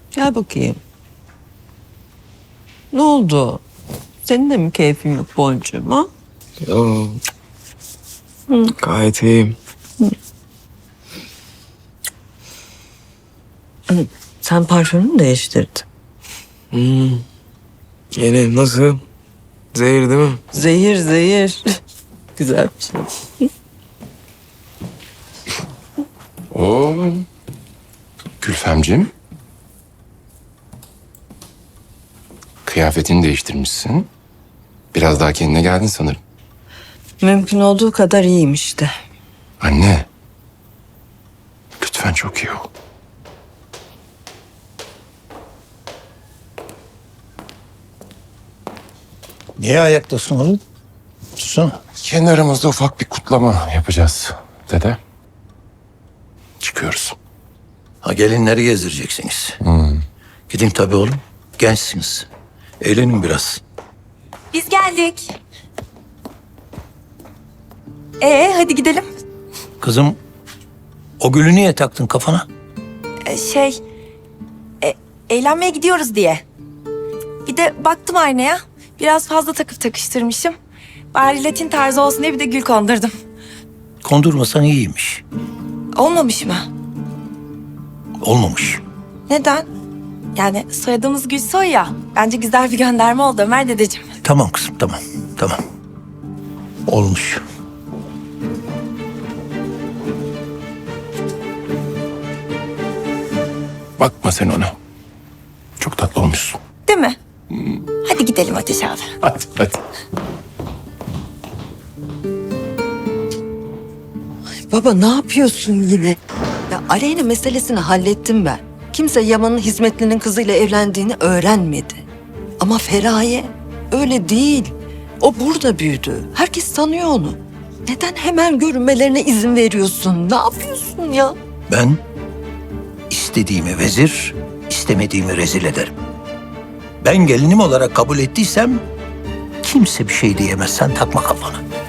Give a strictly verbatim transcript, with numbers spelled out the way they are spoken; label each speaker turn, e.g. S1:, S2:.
S1: Gel bakayım. Ne oldu? Senin de mi keyfin yok boncuğum ha?
S2: Yo. Gayet iyiyim.
S1: Sen parfümünü değiştirdin.
S2: Hmm. Yeni nasıl? Zehir değil mi?
S1: Zehir zehir. Güzel bir şey.
S3: Oo. Gülfemciğim. Kıyafetini değiştirmişsin. Biraz daha kendine geldin sanırım.
S1: Mümkün olduğu kadar iyiyim işte.
S3: Anne. Lütfen çok iyi ol.
S4: Niye ayaktasın oğlum? Tutsana.
S3: Kendi aramızda ufak bir kutlama yapacağız dede. Çıkıyoruz.
S4: Ha gelinleri gezdireceksiniz. Gidin tabii oğlum. Gençsiniz. Eğlenin biraz.
S5: Biz geldik. Ee, hadi gidelim.
S4: Kızım o gülü niye taktın kafana?
S5: Ee, şey, e, eğlenmeye gidiyoruz diye. Bir de baktım aynaya. Biraz fazla takıp takıştırmışım. Bari Latin tarzı olsun diye bir de gül kondurdum.
S4: Kondurmasan iyiymiş.
S5: Olmamış mı?
S4: Olmamış.
S5: Neden? Yani soyadımız Gülsoy ya. Bence güzel bir gönderme oldu Ömer dedeciğim.
S4: Tamam kızım tamam. Tamam. Olmuş.
S3: Bakma sen ona. Çok tatlı olmuşsun.
S5: Değil mi? Hadi gidelim Ateş abi.
S3: Hadi hadi.
S1: Baba ne yapıyorsun yine? Ya Aleyna meselesini hallettim ben. Kimse Yaman'ın hizmetlinin kızıyla evlendiğini öğrenmedi. Ama Feraye öyle değil. O burada büyüdü. Herkes tanıyor onu. Neden hemen görünmelerine izin veriyorsun? Ne yapıyorsun ya?
S4: Ben istediğimi vezir, istemediğimi rezil ederim. Ben gelinim olarak kabul ettiysem kimse bir şey diyemez. Sen takma kafana.